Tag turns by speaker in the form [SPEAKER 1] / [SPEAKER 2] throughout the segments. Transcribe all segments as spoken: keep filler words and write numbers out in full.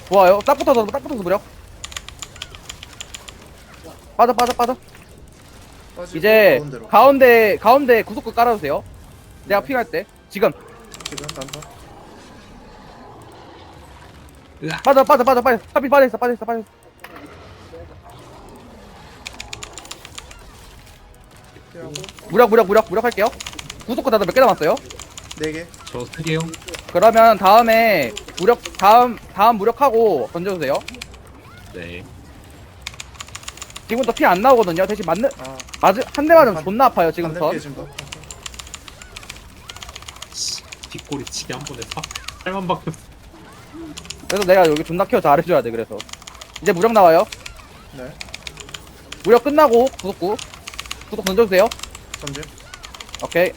[SPEAKER 1] 좋아요. 딱 붙어서 딱 붙어서 무력. 빠져 빠져 빠져.
[SPEAKER 2] 빠지고
[SPEAKER 1] 이제
[SPEAKER 2] 가운데로.
[SPEAKER 1] 가운데 가운데 구속구 깔아주세요. 내가 픽할 때 지금
[SPEAKER 2] 지금 단타.
[SPEAKER 3] 으악.
[SPEAKER 1] 빠져 빠져 빠져 빠져. 하필 빠져 있어 빠져 있어 빠져 있어.
[SPEAKER 2] 피하고
[SPEAKER 1] 무력 무력 무력 무력 할게요. 구속구 다들 몇 개 남았어요?
[SPEAKER 2] 네 개.
[SPEAKER 3] 저 세 개요.
[SPEAKER 1] 그러면 다음에 무력 다음 다음 무력하고 던져주세요.
[SPEAKER 3] 네.
[SPEAKER 1] 지금부터 피 안 나오거든요. 대신 맞는
[SPEAKER 2] 아,
[SPEAKER 1] 맞은 한 대 맞으면
[SPEAKER 2] 반-
[SPEAKER 1] 존나 아파요 지금부터.
[SPEAKER 2] 반대 피해 준 거.
[SPEAKER 3] 씨, 뒷골이 치기 한 번에 사, 팔만 박혔어.
[SPEAKER 1] 그래서 내가 여기 존나 케어 잘해줘야 돼. 그래서 이제 무력 나와요.
[SPEAKER 2] 네.
[SPEAKER 1] 무력 끝나고 구속구 구속 던져주세요.
[SPEAKER 2] 던짐.
[SPEAKER 1] 오케이.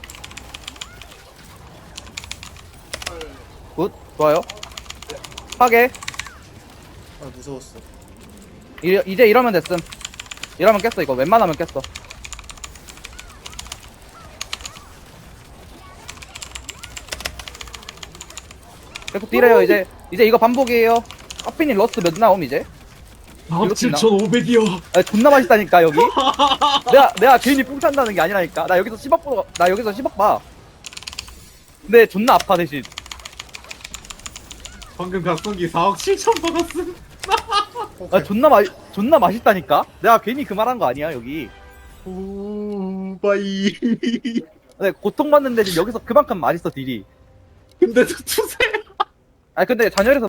[SPEAKER 1] 굿 좋아요. 파괴.
[SPEAKER 2] 아, 무서웠어.
[SPEAKER 1] 이, 이제 이러면 됐음. 이러면 깼어 이거. 웬만하면 깼어. 계속 딜해요 이제. 이제 이거 반복이에요. 커피님 러스트 몇 나옴 이제?
[SPEAKER 3] 아,
[SPEAKER 1] 이렇게 나-
[SPEAKER 3] 칠천오백이요.
[SPEAKER 1] 아, 존나 맛있다니까 여기. 내가 내가 괜히 뿡 찬다는 게 아니라니까. 나 여기서 십억 보, 나 여기서 십억 봐. 근데 존나 아파 대신.
[SPEAKER 3] 방금 각성기 사억 칠천 받았음.
[SPEAKER 2] 오케이.
[SPEAKER 1] 아 존나 맛 존나 맛있다니까. 내가 괜히 그 말한 거 아니야 여기.
[SPEAKER 3] 오, 바이.
[SPEAKER 1] 근데 고통받는데 지금 여기서 그만큼 맛있어 딜이.
[SPEAKER 3] 근데 저 투세.
[SPEAKER 1] 아 근데 잔열에서